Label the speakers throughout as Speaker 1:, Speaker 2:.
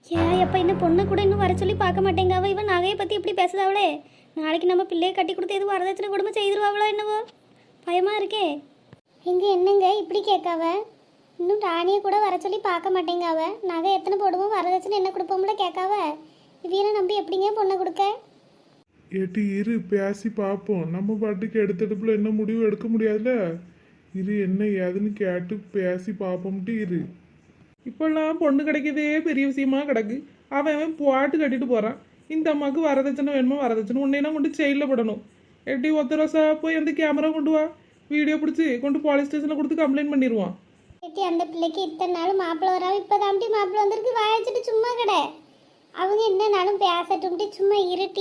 Speaker 1: ஏன் எப்போ இந்த பொண்ணை கூட இன்னும் வர சொல்லி பார்க்க மாட்டேங்காவ. இவன் நகையை பற்றி எப்படி பேசுதாவளே? நாளைக்கு நம்ம பிள்ளையை கட்டி கொடுத்து எதுவும் வரதட்சணை கொடுமை செய்திருவாங்களோ என்னவோ, பயமாக இருக்கே. எங்கே என்னங்க இப்படி கேட்காவ? இன்னும் ராணியை கூட வர சொல்லி பார்க்க மாட்டேங்காவ. நகை எத்தனை போடுவோம், வரதட்சணை என்ன கொடுப்போம்ல கேட்காவ. இவனை நம்பி எப்படிங்க பொண்ணை கொடுக்க?
Speaker 2: ஏட்டி இரு, பேசி பார்ப்போம். நம்ம பாட்டுக்கு எடுத்தடுப்புல என்ன முடிவு எடுக்க முடியாதுல்ல. இரு, என்ன ஏதுன்னு கேட்டு பேசி பார்ப்போம்ட்டு இரு.
Speaker 3: இப்பெல்லாம் பொண்ணு கிடைக்கதே பெரிய விஷயமா கிடக்கு. அவன் பாட்டு கட்டிட்டு போறான். இந்த அம்மாவுக்கு வரதட்சணை வேணுமா, வரதட்சணை உன்னையெல்லாம் கொண்டு செயலில் படணும். எப்படி ஒத்த ரோசா போய் அந்த கேமரா கொண்டு வா, வீடியோ பிடிச்சி கொண்டு போலீஸ் ஸ்டேஷனில் கொடுத்து கம்ப்ளைண்ட் பண்ணிடுவான்.
Speaker 1: ஏட்டி அந்த பிள்ளைக்கு இத்தனை நாள் மாப்பிள்ளை வராம இப்போ தாண்டி மாப்பிள்ளை வந்திருக்கு, வாயச்சிட்டு சும்மா கடை. அவங்க என்ன நாளும் பேசட்டும்ட்டு சும்மா இருட்டி.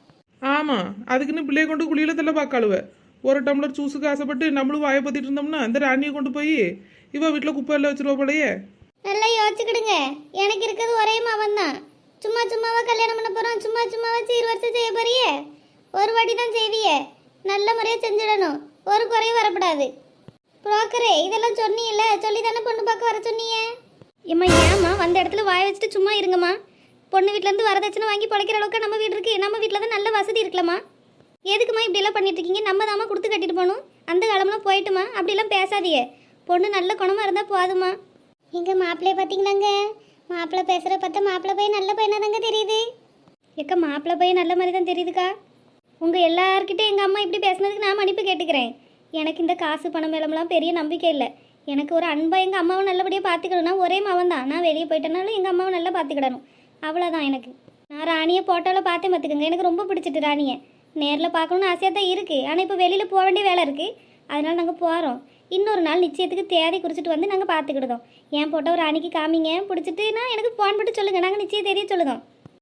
Speaker 3: ஆமாம், அதுக்குன்னு பிள்ளைய கொண்டு குளியில தள்ள பார்க்காளுவ. ஒரு டம்ளர் ஜூஸுக்கு ஆசைப்பட்டு நம்மளும் வாயை பற்றிட்டு இருந்தோம்னா அந்த ராணியை கொண்டு போய் இவ வீட்டில் குப்பை எல்லாம் வச்சிருவா போலையே.
Speaker 1: நல்லா யோசிச்சுக்கிடுங்க. எனக்கு இருக்கிறது ஒரே மவன் தான். சும்மா சும்மாவா கல்யாணம் பண்ண போகிறோம், சும்மா சும்மாவா சீர் வருஷம் செய்ய போறியே. ஒரு வாட்டி தான் செய்வியே, நல்ல முறையாக செஞ்சிடணும், ஒரு குறையும் வரக்கூடாது. புரோக்கரே இதெல்லாம் சொன்னீங்கல்ல, சொல்லி தானே பொண்ணு பார்க்க வர சொன்னீங்க. ஏம்மா ஏம்மா வந்த இடத்துல வாய வச்சுட்டு சும்மா இருங்கம்மா. பொண்ணு வீட்டிலேருந்து வரதட்சணை வாங்கி பழைக்கிற அளவுக்கு நம்ம வீடு இருக்குது. நம்ம வீட்டில் தான் நல்ல வசதி இருக்கலாமா? எதுக்குமா இப்படியெல்லாம் பண்ணிட்டு இருக்கீங்க? நம்ம தாம்மா கொடுத்து கட்டிட்டு போகணும். அந்த காலம்லாம் போயிட்டுமா, அப்படிலாம் பேசாதீங்க. பொண்ணு நல்ல குணமாக இருந்தால் போதுமா. எங்கள் மாப்பிள்ளைய பார்த்தீங்கன்னாங்க, மாப்பிள்ளை பேசுகிற பார்த்தா மாப்பிள்ளை பையன் நல்ல பையனாக தாங்க தெரியுது. எக்கா மாப்பிள்ளை பையன் நல்ல மாதிரி தான் தெரியுதுக்கா. உங்கள் எல்லார்கிட்டே எங்கள் அம்மா இப்படி பேசுனதுக்கு நான் மன்னிப்பு கேட்டுக்கிறேன். எனக்கு இந்த காசு பணம் மேலமெல்லாம் பெரிய நம்பிக்கை இல்லை. எனக்கு ஒரு அன்பா எங்கள் அம்மாவை நல்லபடியாக பார்த்துக்கணும்னா ஒரே மவன் தான். நான் வெளியே போயிட்டனாலும் எங்கள் அம்மாவை நல்லா பார்த்துக்கிடணும், அவ்வளோதான். எனக்கு நான் ராணியை போட்டோவில் பார்த்தே பார்த்துக்கோங்க. எனக்கு ரொம்ப பிடிச்சிட்டு ராணியை நேரில் பார்க்கணுன்னு ஆசையாக தான் இருக்குது. ஆனால் இப்போ வெளியில் போக வேண்டிய வேலை இருக்குது, அதனால் நாங்கள் போகிறோம். இன்னொரு நாள் நிச்சயத்துக்கு தேதி குறிச்சிட்டு வந்து நாங்கள் பார்த்துக்கிடுதோம். ஏன் போட்டோ ராணிக்கு காமிங்க, பிடிச்சிட்டுனா எனக்கு ஃபோன் பண்ணி சொல்லுங்கள், நாங்கள் நிச்சயம் தெரிய சொல்லுதோம்.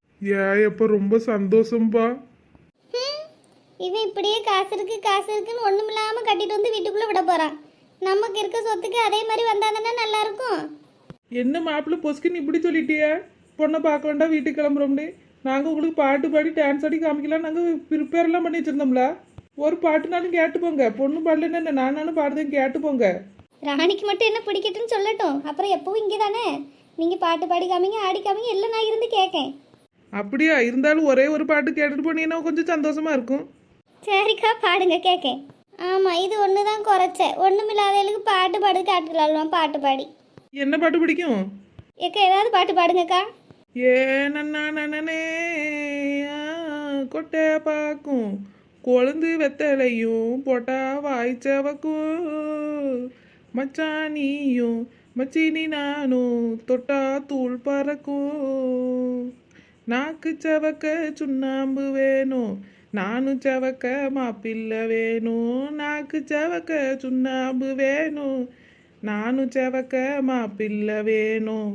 Speaker 2: எப்போ ரொம்ப சந்தோஷம்பா.
Speaker 1: இவன் இப்படியே காசு இருக்குன்னு ஒன்றும் இல்லாமல் கட்டிட்டு வந்து வீட்டுக்குள்ளே விட போகிறான். நமக்கு இருக்க சொத்துக்கு அதே மாதிரி வந்தாங்கன்னா நல்லா இருக்கும்.
Speaker 3: என்ன மாப்பிள்ளை பொஸ்கின்னு இப்படி சொல்லிட்டியா? பொண்ணை பார்க்க வேண்டாம், வீட்டுக்கு கிளம்புறோம்னு. நாங்கள் உங்களுக்கு பாட்டு பாடி டான்ஸ் ஆடி காமிக்கலாம் நாங்கள் ப்ரிப்பேர்லாம் பண்ணி வச்சுருந்தோம்ல. ஒரு பாட்டுனாலும் கேட்டு போங்க. பொண்ணு பாடலன்னு என்ன, நானும் பாடுதேன், கேட்டு போங்க.
Speaker 1: ராணிக்கு மட்டும் என்ன பிடிக்கட்டுன்னு சொல்லட்டும், அப்புறம் எப்பவும் இங்கே தானே. நீங்கள் பாட்டு பாடி காமிங்க, ஆடி காமிங்க, எல்லாம் நான் இருந்து கேட்கேன்.
Speaker 3: அப்படியா? இருந்தாலும் ஒரே ஒரு பாட்டு கேட்டுட்டு போனீங்கன்னா கொஞ்சம் சந்தோஷமா இருக்கும்.
Speaker 1: சரிக்கா பாடுங்க, கேட்கேன். ஆமாம், இது ஒன்று தான் குறைச்ச. ஒன்றும் இல்லாதவங்களுக்கு பாட்டு பாடு காட்டுலாம். பாட்டு பாடி
Speaker 3: என்ன பாட்டு பிடிக்கும்?
Speaker 1: ஏக்கா ஏதாவது பாட்டு பாடுங்கக்கா.
Speaker 3: ஏ நன்னா நனனே கொட்டை பாக்கும் கொழுந்து வெத்தலையும் போட்டா வாய்ச்சவக்கும் மச்சானியும் மச்சினி நானும் தொட்டா தூள் பறக்கும் நாக்கு சவக்க சுண்ணாம்பு வேணும் நானும் சவக்க மாப்பிள்ளை வேணும் நாக்கு சவக்க சுண்ணாம்பு வேணும் நானும் சவக்க மாப்பிள்ளை வேணும்.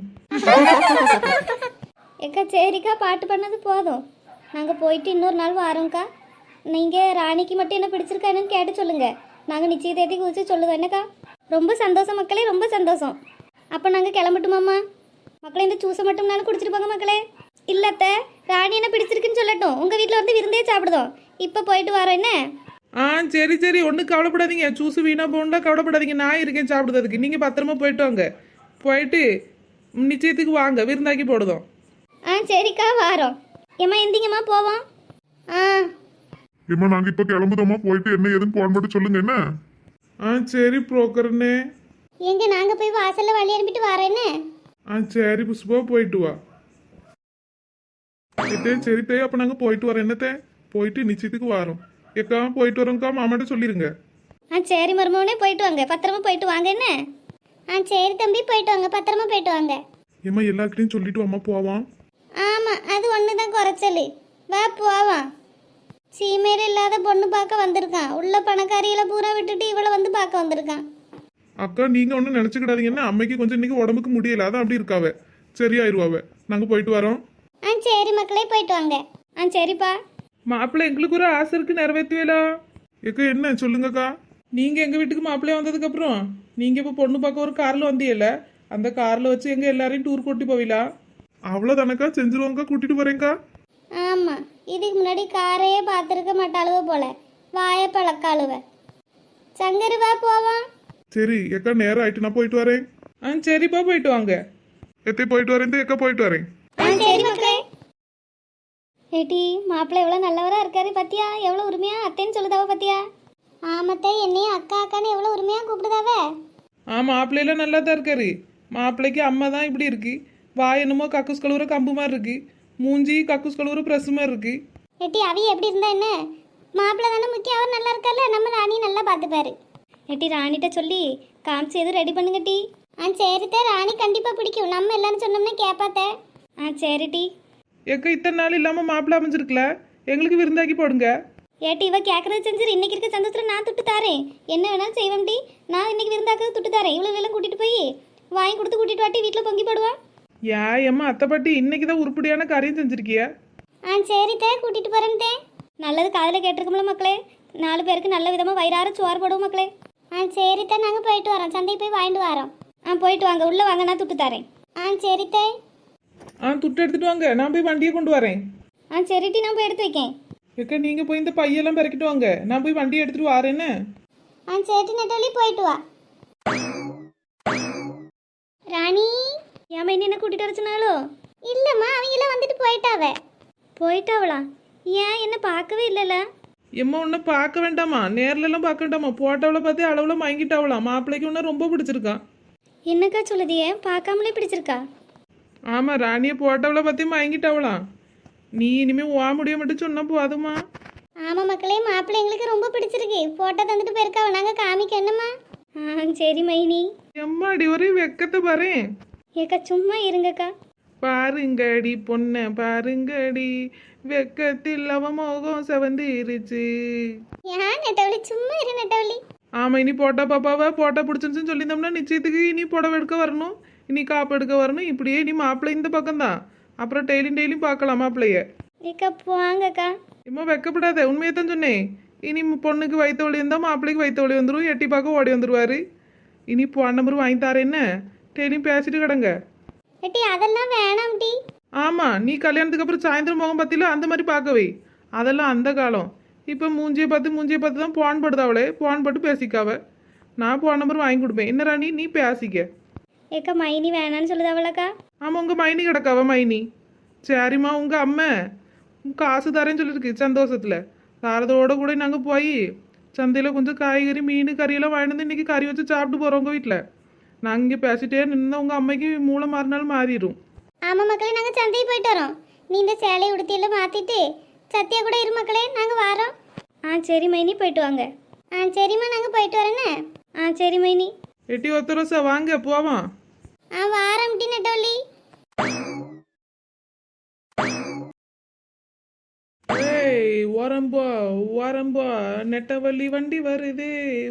Speaker 1: ஏக்கா சரிக்கா, பாட்டு பண்ணது போதும். நாங்கள் போயிட்டு இன்னொரு நாள் வரோங்க்கா. நீங்கள் ராணிக்கு மட்டும் என்ன பிடிச்சிருக்கா என்னன்னு கேட்டு சொல்லுங்கள். நாங்கள் நிச்சய தேதி குறித்து சொல்லுவோம். என்னக்கா ரொம்ப சந்தோஷம் மக்களே, ரொம்ப சந்தோஷம். அப்போ நாங்கள் கிளம்பட்டுமாம்மா? மக்களே இந்த ஜூஸை மட்டும்னாலும் குடிச்சிட்டு போங்க மக்களே. இல்லத்த ராணி என்ன பிடிச்சிருக்குன்னு சொல்லட்டும், உங்கள் வீட்டில் வந்து விருந்தே சாப்பிடுதோம். இப்போ போயிட்டு வரோம் என்ன?
Speaker 3: சரி சரி, ஒன்றும் கவலைப்படாதீங்க. ஜூஸ் வீணா போகணும்னா கவலைப்படாதீங்க, நான் இருக்கேன் சாப்பிடுறதுக்கு. நீங்கள் பத்திரமா போயிட்டு வாங்க. போயிட்டு நிச்சயத்துக்கு வாங்க, விருந்தாக்கி போடுதோம்.
Speaker 1: சரிக்கா வாரோம். ஏம்மா எந்திங்கம்மா போவோம்.
Speaker 2: ஏம்மா நாங்க இப்ப கிளம்புதோமா, போயிட்டு என்ன ஏதுன்னு போன் மட்டும் சொல்லுங்க என்ன.
Speaker 3: சரி புரோக்கர்னே.
Speaker 1: எங்க நாங்கள் போய் வாசலில் வழி அனுப்பிட்டு வரோம் என்ன?
Speaker 3: சரி புஷ்பா, போயிட்டு வா. சரி தே, அப்போ நாங்கள் போயிட்டு வரோம். என்னத்தே, போயிட்டு நிச்சயத்துக்கு வரோம். ஏக்கா போயிட்டு வரோம்க்கா, மாமாட்ட சொல்லிருங்க.
Speaker 1: சரி மருமவனே, போயிட்டு வாங்க, பத்திரமா போயிட்டு வாங்க என்ன? சரி தம்பி, போயிட்டு வாங்க, பத்திரமா போயிட்டு வாங்க.
Speaker 2: ஏம்மா எல்லாருக்கிட்டையும் சொல்லிட்டு வாமா போவான்.
Speaker 1: ஆமாம், அது ஒன்று தான் குறைச்சல். வா போவான். சீமையில் இல்லாத பொண்ணு பார்க்க வந்திருக்கான். உள்ள பணக்காரிகளை பூரா விட்டுட்டு இவளை வந்து பார்க்க வந்திருக்கான்.
Speaker 2: அக்கா நீங்க ஒன்றும் நினைச்சுக்கிடாதீங்கன்னா, அம்மைக்கு கொஞ்சம் இன்னைக்கு உடம்புக்கு முடியல, அதான் அப்படி இருக்காவ. சரியாயிருவாவ. நாங்க போயிட்டு வரோம்.
Speaker 1: சரி மக்களே, போயிட்டு வாங்க. சரிப்பா.
Speaker 3: மாப்பிள்ளை எங்களுக்கு ஒரு ஆசை இருக்கு, நிறைவேற்றுவேலா?
Speaker 2: ஏக்கா என்ன சொல்லுங்கக்கா.
Speaker 3: நீங்கள் எங்கள் வீட்டுக்கு மாப்பிள்ளைய வந்ததுக்கப்புறம் நீங்கள் இப்போ பொண்ணு பார்க்க ஒரு காரில் வந்தீங்கல்ல, அந்த காரில் வச்சு எங்கள் எல்லாரையும் டூர் கூட்டி போவீங்களா?
Speaker 2: அவ்வளோதானக்கா, செஞ்சிருவோங்கக்கா, கூட்டிட்டு போறேங்க்கா.
Speaker 1: ஆமாம், இதுக்கு முன்னாடி காரையே பார்த்துருக்க மாட்டாளுவ போல, வாய பழக்காளுவ. சங்கரு வா போவான்.
Speaker 2: சரி ஏக்கா, நேரம் ஆயிட்டு நான் போயிட்டு வரேன்.
Speaker 3: சரிப்பா, போயிட்டு வாங்க.
Speaker 2: எத்தே போயிட்டு வரேன், ஏக்கா போயிட்டு வரேன்.
Speaker 1: ஏட்டி மாப்பிள்ளை எவ்வளோ நல்லவரா இருக்காரு பத்தியா, எவ்வளோ உரிமையா அத்தைன்னு சொல்லுதாவ பத்தியா. ஆமத்தை என்னையும் அக்கா அக்கான்னு எவ்வளோ உரிமையா கூப்பிடுதாவ.
Speaker 3: மாப்பிள்ளையெல்லாம் நல்லா தான் இருக்காரு. மாப்பிள்ளைக்கு அம்மா தான் இப்படி இருக்கு. வாய் என்னமோ கக்கூஸ் கழுவுற கம்பு மாதிரி இருக்கு, மூஞ்சி கக்கூஸ் கழுவுற ப்ரெஸ் மாதிரி இருக்கு.
Speaker 1: ஏட்டி அவிய எப்படி இருந்தா என்ன, மாப்பிள்ளை தானே முக்கியம். அவர் நல்லா இருக்கார்ல, நம்ம ராணி நல்லா பார்த்துப்பாரு. ஏட்டி ராணிகிட்ட சொல்லி காமிச்சு எதுவும் ரெடி பண்ணுங்க டி. சரித்தே, ராணி கண்டிப்பாக பிடிக்கும். நம்ம எல்லாரும் சொன்னோம்னா கேட்பாத்தே. சரி டி.
Speaker 3: எக்க இத்தனை நாள் இல்லாமல் மாப்பிள்ளை அமைஞ்சிருக்கல, எங்களுக்கு விருந்தாக்கி போடுங்க.
Speaker 1: ஏட்டி இவ கேட்கறது செஞ்சிரு. இன்னைக்கு இருக்க சந்தோஷத்தில் நான் துட்டு தாரேன், என்ன வேணாலும் செய்வேன் டி. நான் இன்னைக்கு விருந்தாக்கிறது துட்டு தாரேன். இவ்வளோ எல்லாம் கூட்டிட்டு போய் வாங்கி கொடுத்து கூட்டிட்டு வாட்டி வீட்டில் பொங்கி போடுவா.
Speaker 3: ஏம்மா அத்தை பாட்டி இன்னைக்கு தான் உருப்படியான காரியம் செஞ்சிருக்கிய.
Speaker 1: சரித்தே, கூட்டிட்டு போறேன் தே. நல்லது காதில் கேட்டிருக்கோம்ல மக்களே. 4 பேருக்கு நல்ல விதமாக வயிறார சோறு போடுவோம் மக்களே. சரித்தே, நாங்கள் போயிட்டு வரோம், சந்தைக்கு போய் வாங்கிட்டு வரோம். போயிட்டு வாங்க, உள்ளே வாங்க, நான் துட்டு தரேன். சரித்தே.
Speaker 3: துட்டு எடுத்துட்டு வாங்க, நான் போய் வண்டியை கொண்டு வரேன்.
Speaker 1: சரிட்டி, நான் போய் எடுத்து வைக்கேன்.
Speaker 3: எக்க நீங்க போய் இந்த பையெல்லாம் பிறக்கிட்டு வாங்க, நான் போய் வண்டியை எடுத்துட்டு வரேன்னு.
Speaker 1: சரிட்டி நெட்டவழி, போயிட்டு வா. ராணி ஏமா என்ன கூட்டிட்டு வர சொன்னாலோ? இல்லம்மா, அவங்க எல்லாம் வந்துட்டு போயிட்டாவளா? ஏன் என்ன பார்க்கவே இல்லைல்ல?
Speaker 3: எம்மா உன்னை பார்க்க வேண்டாமா, நேர்ல எல்லாம் பார்க்க வேண்டாமா, போட்டோவில் பார்த்து அளவுல வாங்கிட்டாவலாம். மாப்பிள்ளைக்கு உன்ன ரொம்ப பிடிச்சிருக்கான்.
Speaker 1: என்னக்கா சொல்லுதியே, பார்க்காமலே பிடிச்சிருக்கா?
Speaker 3: ஆமா, ராணியை போட்டோவில் பார்த்து வாங்கிட்டாவலாம். நீ இனிமே ஓ முடிய மட்டும் சொன்னா போதுமா?
Speaker 1: ஆமா மக்களே, மாப்பிள்ளை எங்களுக்கு ரொம்ப பிடிச்சிருக்கு. போட்டோ தந்துட்டு போயிருக்காவ, நாங்க காமிக்க என்னம்மா? சரி மைனி.
Speaker 3: எம்மாடி ஒரே வெக்கத்தை பாறேன்.
Speaker 1: ஏக்கா சும்மா இருங்கக்கா.
Speaker 3: பாருங்கடி பொண்ண பாருங்கடி, வெக்கத்தில் அவ மோகம் செவந்திருச்சு.
Speaker 1: ஏன் நெட்டவழி, சும்மா இரு நெட்டவழி.
Speaker 3: ஆமா, இனி போட்டா பாப்பாவை போட்டா பிடிச்சிருச்சுன்னு சொல்லியிருந்தோம்னா நிச்சயத்துக்கு இனி புடவை எடுக்க வரணும், இனி காப்பு எடுக்க வரணும். இப்படியே இனி மாப்பிள்ளை இந்த பக்கம் தான். அப்புறம் டெய்லியும் பார்க்கலாம் மாப்பிள்ளைய.
Speaker 1: ஏக்கா போவாங்கக்கா.
Speaker 3: இம்மா வெக்கப்படாத, உண்மையை தான் சொன்னேன். இனி பொண்ணுக்கு வயிற்று வலி இருந்தால் மாப்பிள்ளைக்கு வயிற்று வலி வந்துடும், எட்டி பார்க்க ஓடி வந்துடுவாரு. இனி போன் நம்பர் வாங்கி தரேன், என்ன டெய்லியும் பேசிட்டு கிடங்க.
Speaker 1: ஏட்டி அதெல்லாம் வேணாம் டி.
Speaker 3: ஆமா, நீ கல்யாணத்துக்கு அப்புறம் சாயந்தரம் முகம் பத்தில அந்த மாதிரி பார்க்கவே, அதெல்லாம் அந்த காலம். இப்போ மூஞ்சியை பார்த்து தான் போன் படுது, அவளே போன் பட்டு பேசிக்காவ. நான் போன் நம்பர் வாங்கி கொடுப்பேன். என்ன ராணி நீ பேசிக்க.
Speaker 1: ஏக்கா மைனி வேணான்னு சொல்லுது அவளக்கா.
Speaker 3: ஆமா, உங்க மைனி கிடக்காவ மைனி. சரிம்மா, உங்க அம்மா காசு தரேன்னு சொல்லியிருக்கு சந்தோஷத்துல. தாரதோட கூட நாங்கள் போய் சந்தையில் கொஞ்சம் காய்கறி மீன் கறியெல்லாம் வாங்கிட்டு வந்து இன்னைக்கு கறி வச்சு சாப்பிட்டு போகிறோம் உங்கள் வீட்டில். நாங்கள் இங்கே பேசிட்டே நின்று உங்கள் அம்மைக்கு மூளை மாறினாலும் மாறிடும்.
Speaker 1: ஆமா மக்களே, நாங்க சந்தைக்கு போயிட்டு வரோம். நீ இந்த சேலையை உடுத்தியெல்லாம் மாத்திட்டு சத்தியா கூட இரு மக்களே, நாங்க வாரோம். சரி மைனி, போயிட்டு வாங்க. சரிம்மா, நாங்க போயிட்டு வரேன்னு. சரி மைனி.
Speaker 3: எட்டி ஒத்த ரோசா வாங்க போவோம்.
Speaker 1: வாரம் டி நெட்டவழி.
Speaker 3: ஏய் ஓரம்போ நெட்டவள்ளி வண்டி வருது,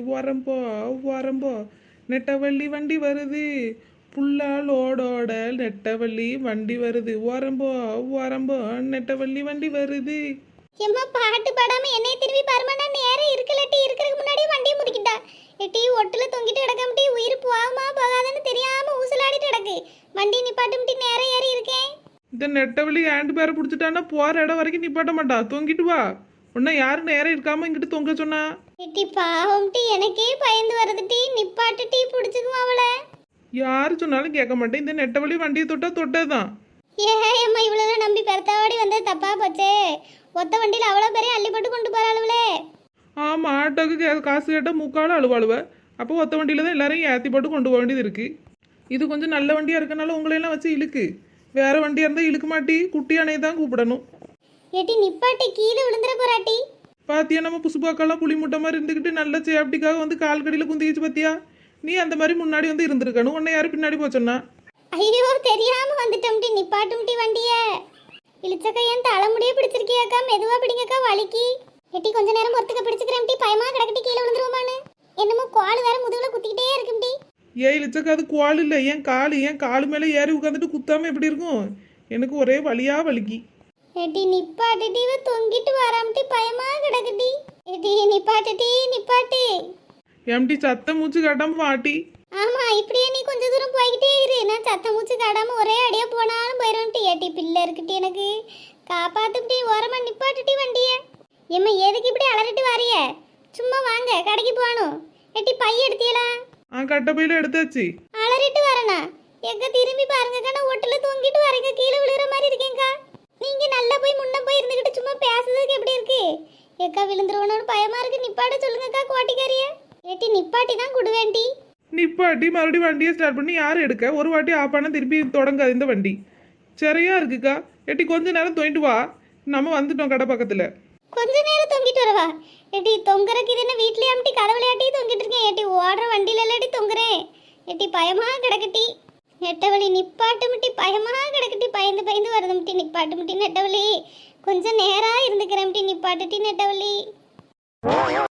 Speaker 3: ஓரம்போ நெட்டவள்ளி வண்டி வருது, புல்லாலோடோட நெட்டவள்ளி வண்டி வருது, ஓரம்போ நெட்டவள்ளி வண்டி வருது.
Speaker 1: எம்மா பாட்டு பாடாம என்னைய திரும்பி பாருமாடா. நேரம் இருக்கலட்டி, இருக்கிறதுக்கு முன்னாடி வண்டியை முறிக்கிட்டா. எட்டி ஒட்டுல தொங்கிட்டு கிடக்கம்டி, உயிர் போகாமா போகாதுன்னு தெரியாம ஊசலாடிட்டு கிடக்கு. வண்டி நிப்பாட்டும்டி, நேரம் ஏறி இருக்கேன்.
Speaker 3: இந்த நெட்டவள்ளி ஹேண்டு பேரை பிடிச்சிட்டான்னா போகிற இடம் வரைக்கும் நிப்பாட்ட மாட்டா, தொங்கிட்டு வா. உன்ன யாரும் நேரம் இருக்காம இங்கிட்டு தொங்க சொன்னா?
Speaker 1: எட்டி பாவம்டி, எனக்கே பயந்து வருதுடி. நிப்பாட்டு டீ, பிடிச்சிக்குமா அவளை?
Speaker 3: யாரு சொன்னாலும் கேட்க மாட்டேன். இந்த நெட்டவள்ளி வண்டியை தொட்டதுதான்.
Speaker 1: ஏம்மா இவ்வளவு நம்பி பெருத்தாவாடி வந்தது தப்பா போச்சே. ஒத்த வண்டியில் அவ்வளோ பெரிய அள்ளி போட்டு கொண்டு போறாளுவளே.
Speaker 3: ஆமா, ஆட்டோக்கு காசு கேட்டால் முக்காலும் அழுவாளுவ. அப்போ ஒத்த வண்டியில தான் எல்லாரையும் ஏற்றி போட்டு கொண்டு போக வேண்டியது இருக்கு. இது கொஞ்சம் நல்ல வண்டியா இருக்கனால உங்களையெல்லாம் வச்சு இழுக்கு. வேற வண்டியா இருந்தா இழுக்க மாட்டி, குட்டி அணையை தான் கூப்பிடணும்.
Speaker 1: ஏட்டி நிப்பாட்டி, கீழே விழுந்துற போறாட்டி.
Speaker 3: பாத்தியா, நம்ம புசுபாக்கெல்லாம் புளி முட்டை மாதிரி இருந்துக்கிட்டு நல்ல சேஃப்டிக்காக வந்து கால் கடியில் குந்திச்சு. பாத்தியா, நீ அந்த மாதிரி முன்னாடி வந்து இருந்திருக்கணும். உன்னை யாரும் பின்னாடி போச்சோன்னா?
Speaker 1: ஐயோ தெரியாம வந்துட்டோம்டி. நிப்பாட்டும்டி வண்டிய. இழுச்சக்கா ஏன் தலைமுடியே பிடிச்சிருக்கியாக்கா? மெதுவா பிடிங்கக்கா, வலிக்கு. எட்டி கொஞ்ச நேரம் பொறுத்துக்க பிடிச்சிக்கிறேன்டி, பயமா கிடக்கட்டி கீழே விழுந்துருவோமான்னு. என்னமோ கால் வேற முதுகுல குத்திக்கிட்டே இருக்கும்டி.
Speaker 3: ஏன் இழுச்சக்கா, அது குவால் இல்லை, என் காலு மேலே ஏறி உட்காந்துட்டு குத்தாம எப்படி இருக்கும்? எனக்கு ஒரே வலியா வலிக்கு.
Speaker 1: எட்டி நிப்பாட்டுடி, இவ தொங்கிட்டு வராமட்டி, பயமா கிடக்குடி. எட்டி நிப்பாட்டு.
Speaker 3: எம்டி சத்த மூச்சு காட்டாம வாட்டி.
Speaker 1: ஆமா, இப்படியே நீ கொஞ்ச தூரம் போய்கிட்டே இரு. நான் சத்த மூச்சு காடாம ஒரே அடியா போனாலும் போயிடும்டி. ஏட்டி பிள்ளை இருக்குட்டி, எனக்கு காப்பாத்துட்டி. ஓரமா நிப்பாட்டுட்டி வண்டிய. எம்மா எதுக்கு இப்படி அலறிட்டு வாரிய? சும்மா வாங்க, கடைக்கு போகணும். எட்டி பைய எடுத்தியலா?
Speaker 3: கட்ட பையில எடுத்தாச்சு.
Speaker 1: அலறிட்டு வரனா? எங்க திரும்பி பாருங்கக்கா, நான் ஒட்டுல தொங்கிட்டு வரேங்க, கீழே விழுற மாதிரி இருக்கேங்கக்கா. நீங்க நல்லா போய் முன்ன போய் இருந்துகிட்டு எக்கா விழுந்துருவனோன்னு பயமா இருக்கு, நிப்பாட்ட சொல்லுங்கக்கா கோட்டிக்காரிய. ஏட்டி நிப்பாட்டி தான் குடுவேன்டி.
Speaker 3: நிப்பாட்டி மறுபடியும் வண்டியை ஸ்டார்ட் பண்ணி யார் எடுக்க? ஒரு வாட்டி ஆஃப் பண்ண திருப்பி தொடங்காது இந்த வண்டி. சரியா இருக்குக்கா. ஏட்டி கொஞ்ச நேரம் தோண்டிட்டு வா, நம்ம வந்துட்டோம் கடை பக்கத்துல.
Speaker 1: கொஞ்ச நேரம் தொங்கிட்டு வரவா? ஏட்டி தொங்குறக்கு இது என்ன வீட்லயே அம்டி கதை விளையாட்டி தொங்கிட்டு இருக்கேன். ஏட்டி ஓடுற வண்டியில இல்லாட்டி தொங்குறேன். ஏட்டி பயமா கிடக்கட்டி. நெட்டவழி நிப்பாட்டு முட்டி, பயமா கிடக்கட்டி, பயந்து பயந்து வருது முட்டி, நிப்பாட்டு முட்டி நெட்டவழி. கொஞ்சம் நேரா இருந்துக்கிறேன் முட்டி, நிப்பாட்டுட்டி நெட்டவழி.